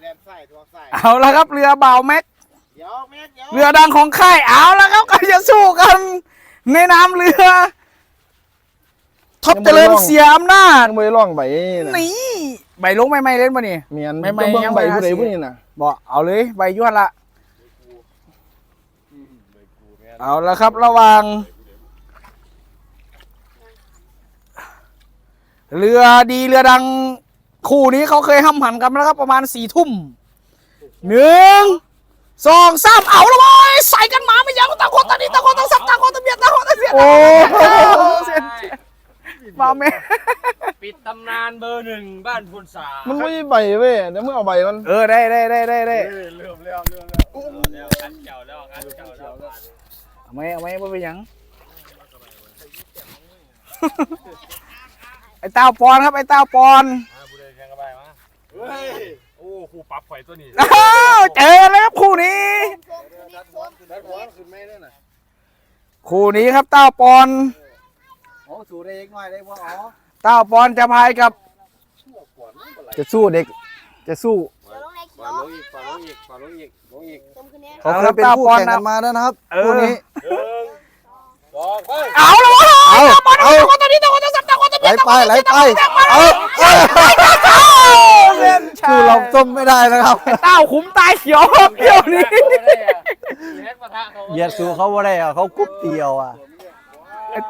เอาละครับเรือบ่าวแม็กเดี๋ยวเม็ดเดี๋ยวเรือดังของค่ายเอาละครับก็จะสู้กันในน้ำเรือท็อปเจริญเสียอำนาจไม่ได้ร้องใบนะนี่ใบลงไม่เล่นป่ะนี่เมียนไม่จะเบิ่งยังใบไม่ผู้ใดหาเสียผู้นี้น่ะบอกเอาเลยใบยวนละเอาละครับระหว่างเรือดีเรือดังคู่นี้เขาเคยห้ำหันกันแล้วครับประมาณ4 ทุ่ม1 2 3เอาละบอยใส่กันมาไม่ยั้งต่างคนต่างนี้ต่างคนต่างสับต่างคนต่างเบียดต่างคนต่างเบียดโอ้มาแม่ปิดตำนานเบอร์ 1บ้านพุนสามันไม่ใช่ใบเว้ยเดี๋ยวมึงเอาใบมันได้เริ่มแล้วกันเจ้าแล้วกันเจ้าแล้วเอาไหมว่าไปยังไอ้เต้าปอนครับไอ้เต้าปอนผู้ใดแข่งกันไปมาเฮ้ยโอ้ครูปรับข่อยตัวนี้เจอแล้วครับคู่นี้ คู่นี้ครับเต้าปอนโอ้สูได้เองหน่อยได้บ่อ๋อเต้าปอนจะพายกับจะสู้เด็กจะสู้ฝ่าลงอีกฝ่าลงอีกฝ่าลงอีกลงอีกเขาเคยเป็นคู่แข่งกันมาแล้วนะครับคู่นี้ 2ไปเอาละวะเอาเอาตอนนี้ต่างคนต่างสับต่างคนต่างไหลเบียดไปไหลไปเอาสู้เราส้มไม่ได้นะครับเต้าขุมตายเขียวเที่ยวนี้แฮกปะทะเขาเหยียดสู้เขาไม่ได้อะเขากุ๊บเดียวอ่ะไอ้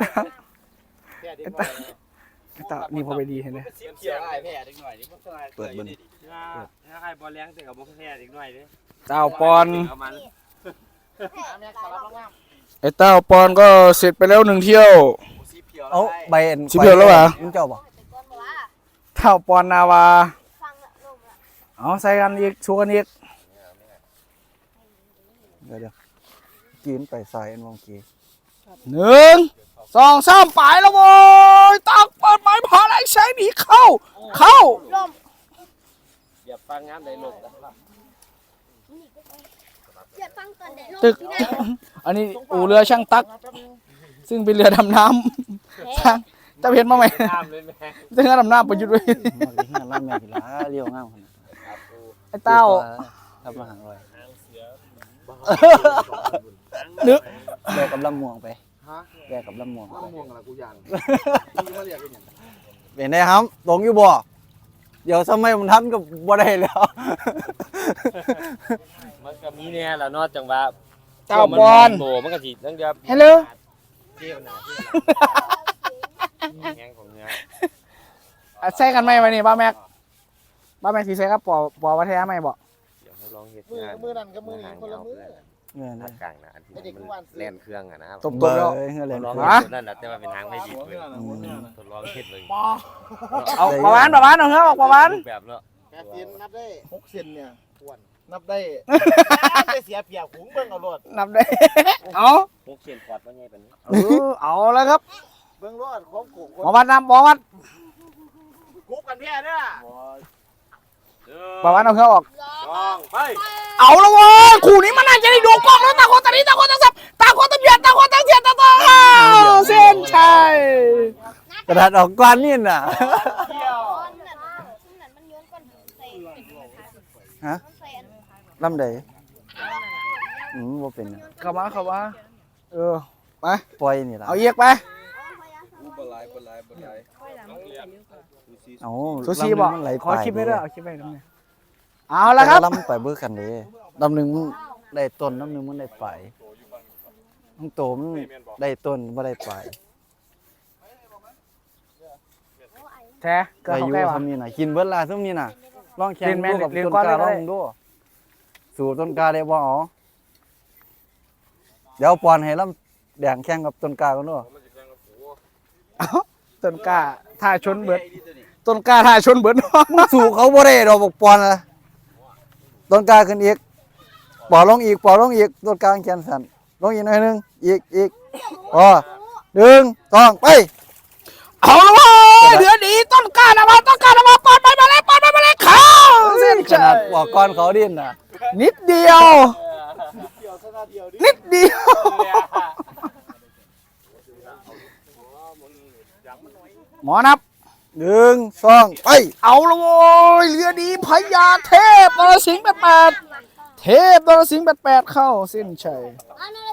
เต้านี่พอไปดีเห็นไหมเสียได้แพ้เด็กหน่อยนี่มันก็ได้เปิดบนถ้าใครบอลแรงแต่กับบุกแพ้เด็กหน่อยดิเต้าปอนเอามันไอ้เต้าปอนก็เสร็จไปแล้ว1 เที่ยวเอาใบสิบเดียวแล้วเหรอมึงเจ้าบอกเต้าปอนนาวาเอาใส่กันอีกชูกันอีกเดี๋ยวกินไปใส่อันวงกี 1 2 3ไปแล้วโว้ยตักเปิดไม้พาอะไรใช้หนีเข้าอย่าฟังงานใดลงนะตึก อันนี้อู่เรือช่างตัก ซึ่งเป็นเรือดำน้ำช่างจะเห็นมาไหมข้ามเลยแม่ซึ่งเรือดำน้ำประยุทธ์ไว้มาที่งานร้านแม่กีฬาเลี้ยวง่ามขนาดไอ้เต้ารับมาหางลอยนึกแยกกับลำม่วงไปแยกกับลำม่วงไปม่วงอะไรกูยันมาเรียกกันเป็นไงครับตรงอยู่บ่เดี๋ยวสมัยมันทันกับบ่ได้แล้วมันก็มีเนี่ยแหละนอกจากว่าเต้าปอนโบมันก็สิตั้งเดียวฮัลโหลเที่ยวหนาแห้งของเนื้อใส่กันไหมวันนี้บ้าแม็กสีใส่กับปอวัฒนาไหมบอกเดี๋ยวให้ลองเฮ็ดมืองานมือนั่นกับมือนี่คนละมือเงินภาคกลางนะอันที่มันแล่นเครื่องอะนะครับตบเบอแล้วร์เงินเลยลองฮะนั่นแหละแต่ว่าเป็นทางไม่ดีเลยทดลองเฮ็ดเลยเอาประมาณเอาเถอะบอกประมาณรูปแบบเนาะแปดเซนนับได้6 เซนเนี่ยอ้วนนับได้ได้เสียเปรียบหุงเบิ่งเอารถนับได้ เอาพวกเขียนขวดว่าไงเป็นเอาแล้วครับเบิ่งรถของกูหมอวัดนำหมอวัดกุ๊กกันแพ้เด้อประมาณเอาเครื่องออก 2ไปเอาแล้วเว้ยคู่นี้มันน่าจะได้ดูกล้องแล้วต่างคนต่างนี้ต่างคนต่างสับต่างคนต่างเบียดต่างคนต่างเสียดต่างเส้นชัยกระดาษออกก้อนนี่น่ะฮะลำใดว่าเป็นเข้ามาไปปล่อยนี่ล่ะเอาเอียกไปเอาซูชิบอกมันไหลขอไปคลิปไม่ด้วยเอาคลิปไปตรงนี้เอาละครับลำไปเบิกกันเด้ลำหนึ่งมันได้ต้นลำหนึ่งมันได้ปลายทั้งโตมันได้ต้นไม่ได้ปลายแท้เกิดอาเขายุใกล้วะทำนี่น่ะกินเบิดลาทำนี่น่ะลองแข่งเรียนแม่ดูกับเรียนต้นก้อนกาเลยก็ลได้องดูสู่ต้นกาได้บ่อ๋อเดี๋ยวปอนให้ลำแดงแข่งกับต้นกากันด้วยต้นกล้าท่าชนเบิดต้นกล้าท่าชนเบิดสู่เขาบ่ได้ดอกบอกปอนละต้นกาขึ้นอีกปอลงอีกปอลงอีกต้นกาแขนสั่นลงอีกหน่อยหนึงอีกอ๋อ1 2ไปเอาละเว้ยเดือดีต้นกล้านะมาต้นกล้านะมาปอนไปมาเลยเข้าเส้นขชันาดยบอกก่อนเขาดิ้นน่ะนิดเดียว นิดเดียว หมอนับ 1 2ไปเอาละโว้ยเรือดีพญาเทพนรสิงห์88เทพนรสิงห์88เข้าเส้นชัยเอาเลย